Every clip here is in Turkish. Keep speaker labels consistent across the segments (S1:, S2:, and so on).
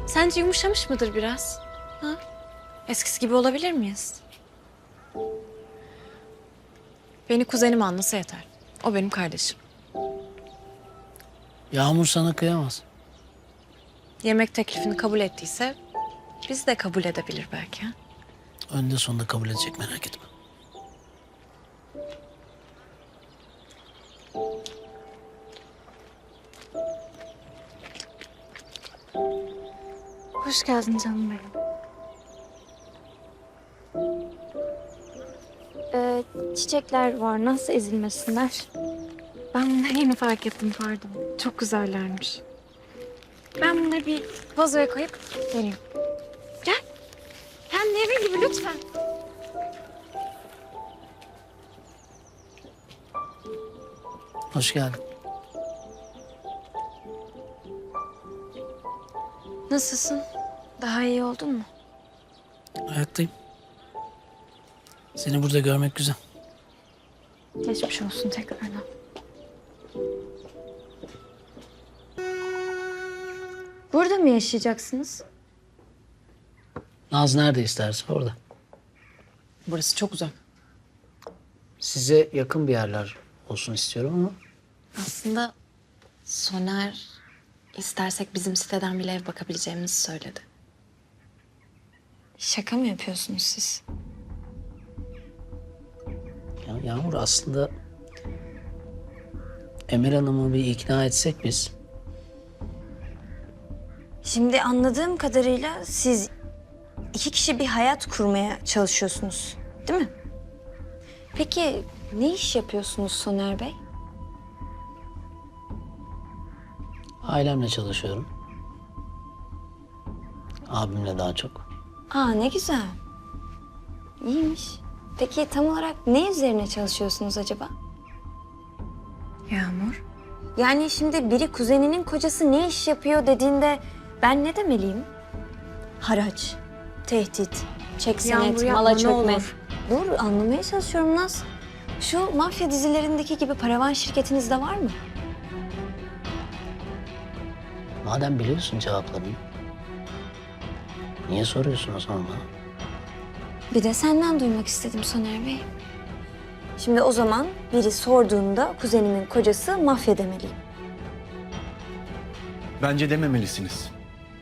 S1: Sence yumuşamış mıdır biraz? Ha? Eskisi gibi olabilir miyiz? Beni kuzenim anlasa yeter. O benim kardeşim.
S2: Yağmur sana kıyamaz.
S1: Yemek teklifini kabul ettiyse biz de kabul edebilir belki. Ha?
S2: Önde sonunda kabul edecek, merak etme.
S1: Hoş geldin canım benim.
S3: Çiçekler var, nasıl ezilmesinler?
S1: Ben bunları yeni fark ettim, pardon. Çok güzellermiş. Ben bunları bir vazoya koyup geleyim. Gel. Kendi evin gibi lütfen.
S2: Hoş geldin.
S1: Nasılsın? Daha iyi oldun mu?
S2: Hayattayım. Seni burada görmek güzel.
S1: Geçmiş olsun tekrardan.
S3: Burada mı yaşayacaksınız?
S2: Naz nerede isterse orada.
S1: Burası çok uzak.
S2: Size yakın bir yerler olsun istiyorum ama
S1: Aslında Soner istersek bizim siteden bile ev bakabileceğimizi söyledi. Şaka mı yapıyorsunuz siz?
S2: ya Yağmur aslında Emel Hanım'ı bir ikna etsek biz.
S3: Şimdi anladığım kadarıyla siz iki kişi bir hayat kurmaya çalışıyorsunuz, değil mi? Peki ne iş yapıyorsunuz Soner Bey?
S2: Ailemle çalışıyorum. Abimle daha çok.
S3: Aa ne güzel. İyiymiş. Peki tam olarak ne üzerine çalışıyorsunuz acaba?
S1: Yağmur.
S3: Yani şimdi biri kuzeninin kocası ne iş yapıyor dediğinde ben ne demeliyim? Haraç, tehdit, çek senet,
S1: Yağmur yapma,
S3: mala
S1: ne
S3: çökme.
S1: olur.
S3: Dur anlamaya çalışıyorum Naz. Şu mafya dizilerindeki gibi paravan şirketinizde var mı?
S2: Madem biliyorsun cevaplarını, niye soruyorsun o zaman bana?
S3: Bir de senden duymak istedim Soner Bey. Şimdi o zaman biri sorduğunda kuzenimin kocası mafya demeliyim.
S4: Bence dememelisiniz.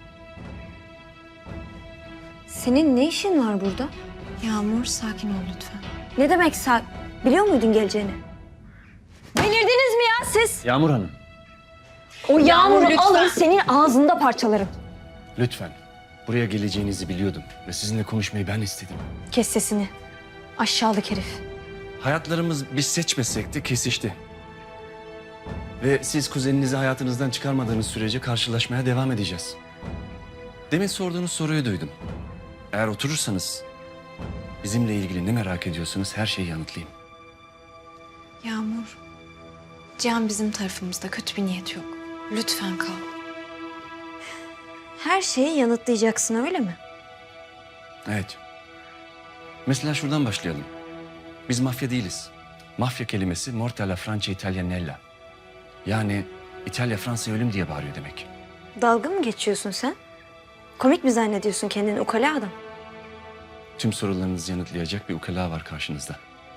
S3: Senin ne işin var burada?
S1: Yağmur sakin ol lütfen.
S3: Ne demek biliyor muydun geleceğini? Delirdiniz mi ya siz?
S4: Yağmur Hanım,
S3: O
S1: Yağmur,
S3: yağmuru
S1: lütfen.
S3: alın senin ağzında parçalarım.
S4: lütfen. Buraya geleceğinizi biliyordum ve sizinle konuşmayı ben istedim.
S3: Kes sesini. Aşağılık herif.
S4: Hayatlarımız biz seçmesek de kesişti. Ve siz kuzeninizi hayatınızdan çıkarmadığınız sürece karşılaşmaya devam edeceğiz. Demin sorduğunuz soruyu duydum. Eğer oturursanız bizimle ilgili ne merak ediyorsanız her şeyi yanıtlayayım.
S1: Yağmur. Cihan bizim tarafımızda, kötü bir niyet yok. Lütfen kal.
S3: Her şeyi yanıtlayacaksın öyle mi?
S4: Evet. Mesela şuradan başlayalım. Biz mafya değiliz. Mafya kelimesi morte alla Francia Italianella. Yani İtalya Fransa'ya ölüm diye bağırıyor demek.
S3: Dalga mı geçiyorsun sen? Komik mi zannediyorsun kendini ukala adam?
S4: Tüm sorularınızı yanıtlayacak bir ukala var karşınızda.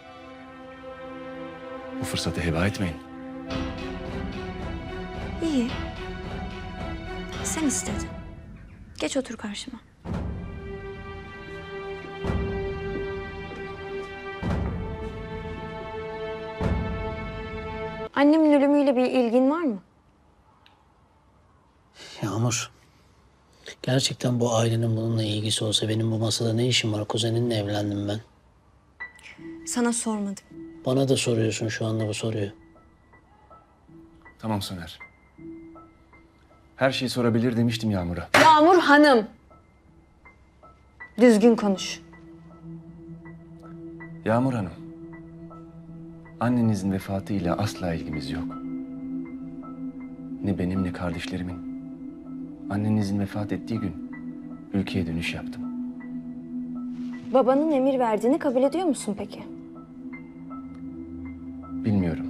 S4: Bu fırsatı heba etmeyin.
S3: İyi. Sen istedin. Geç otur karşıma. Annemin ölümüyle bir ilgin var mı?
S2: Yağmur, gerçekten bu ailenin bununla ilgisi olsa benim bu masada ne işim var? Kuzeninle evlendim ben.
S3: Sana sormadım.
S2: Bana da soruyorsun şu anda bu soruyu.
S4: Tamam Soner. Her şeyi sorabilir demiştim Yağmur'a.
S3: Yağmur Hanım. Düzgün konuş.
S4: Yağmur Hanım. Annenizin vefatıyla asla ilgimiz yok. Ne benim ne kardeşlerimin. Annenizin vefat ettiği gün ülkeye dönüş yaptım.
S3: Babanın emir verdiğini kabul ediyor musun peki?
S4: Bilmiyorum.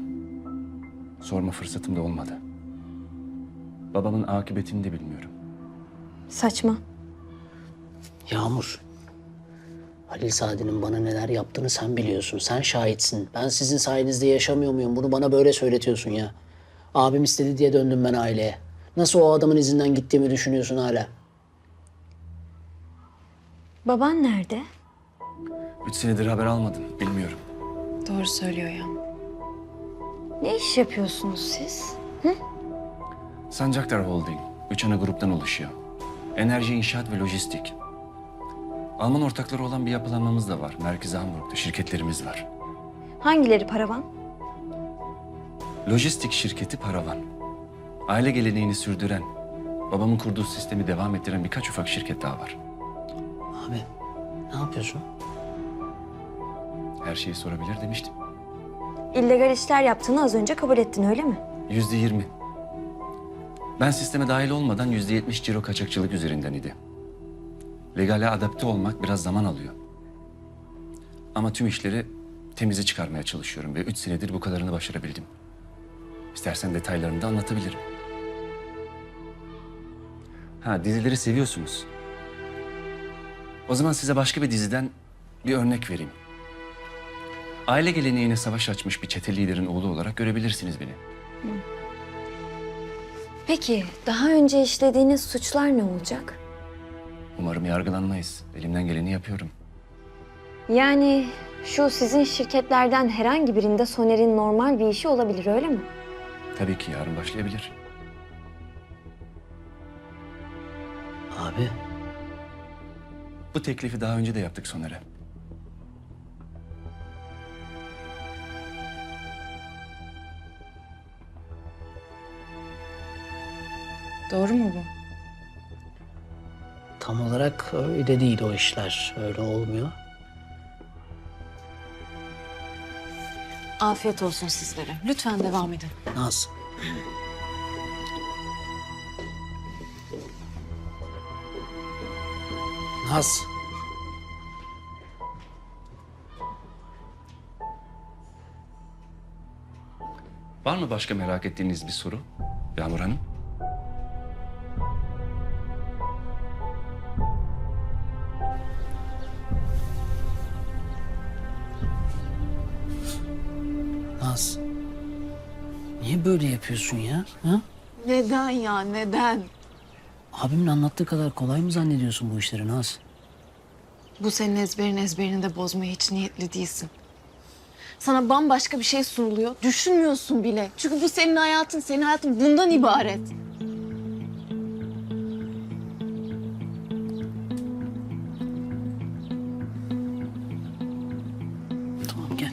S4: Sorma fırsatım da olmadı. Babamın akıbetini de bilmiyorum.
S3: Saçma.
S2: Yağmur. Halil Saadet'in bana neler yaptığını sen biliyorsun. Sen şahitsin. Ben sizin sayenizde yaşamıyor muyum? Bunu bana böyle söyletiyorsun ya. Abim istedi diye döndüm ben aileye. Nasıl o adamın izinden gittiğimi düşünüyorsun hala?
S3: Baban nerede?
S4: 3 senedir haber almadım. Bilmiyorum.
S1: Doğru söylüyor ya.
S3: Ne iş yapıyorsunuz siz?
S4: Sancaktar Holding. 3 ana gruptan oluşuyor. Enerji, inşaat ve lojistik. Alman ortakları olan bir yapılanmamız da var. Merkezi Hamburg'da şirketlerimiz var.
S3: Hangileri paravan?
S4: Lojistik şirketi Paravan. Aile geleneğini sürdüren, babamın kurduğu sistemi devam ettiren birkaç ufak şirket daha var.
S2: Abi ne yapıyorsun?
S4: Her şeyi sorabilir demiştim.
S3: İllegal işler yaptığını az önce kabul ettin öyle mi?
S4: %20. Ben sisteme dahil olmadan %70 ciro kaçakçılık üzerinden idi. Legale adapte olmak biraz zaman alıyor. Ama tüm işleri temize çıkarmaya çalışıyorum ve 3 senedir bu kadarını başarabildim. İstersen detaylarını da anlatabilirim. Ha, dizileri seviyorsunuz. O zaman size başka bir diziden bir örnek vereyim. Aile geleneğine savaş açmış bir çete liderin oğlu olarak görebilirsiniz beni.
S3: Peki daha önce işlediğiniz suçlar ne olacak?
S4: Umarım yargılanmayız. Elimden geleni yapıyorum.
S3: Yani şu sizin şirketlerden herhangi birinde Soner'in normal bir işi olabilir öyle mi?
S4: Tabii ki yarın başlayabilir.
S2: Abi
S4: Bu teklifi daha önce de yaptık Soner'e.
S1: Doğru mu bu?
S2: tam olarak öyle değil o işler. Öyle olmuyor.
S1: Afiyet olsun sizlere. Lütfen devam edin.
S2: Naz. Naz.
S4: Var mı başka merak ettiğiniz bir soru Yağmur Hanım?
S2: Naz. Niye böyle yapıyorsun ya? Ha?
S1: Neden ya, neden?
S2: Abimin anlattığı kadar kolay mı zannediyorsun bu işleri Naz?
S1: Bu senin ezberini de bozmaya hiç niyetli değilsin. Sana bambaşka bir şey sunuluyor. Düşünmüyorsun bile. Çünkü bu senin hayatın bundan ibaret.
S2: Tamam gel.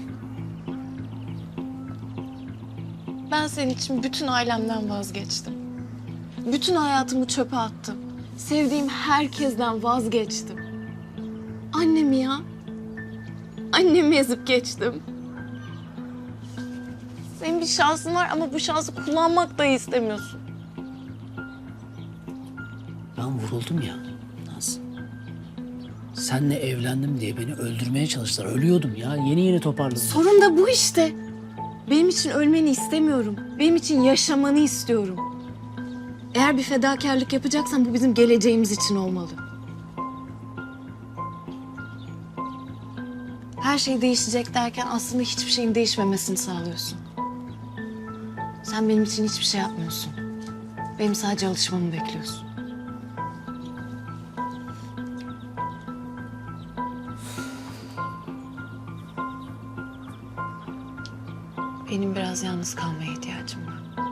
S1: Ben senin için bütün ailemden vazgeçtim. Bütün hayatımı çöpe attım. Sevdiğim herkesten vazgeçtim. Annemi ya. Annemi ezip geçtim. Senin bir şansın var ama bu şansı kullanmak dahi istemiyorsun.
S2: Ben vuruldum ya Naz. Senle evlendim diye beni öldürmeye çalıştılar. Ölüyordum ya. Yeni toparladım.
S1: Sorun da bu işte. Benim için ölmeni istemiyorum. Benim için yaşamanı istiyorum. Eğer bir fedakarlık yapacaksan bu bizim geleceğimiz için olmalı. Her şey değişecek derken aslında hiçbir şeyin değişmemesini sağlıyorsun. Sen benim için hiçbir şey yapmıyorsun. Benim sadece alışmamı bekliyorsun. Benim biraz yalnız kalmaya ihtiyacım var.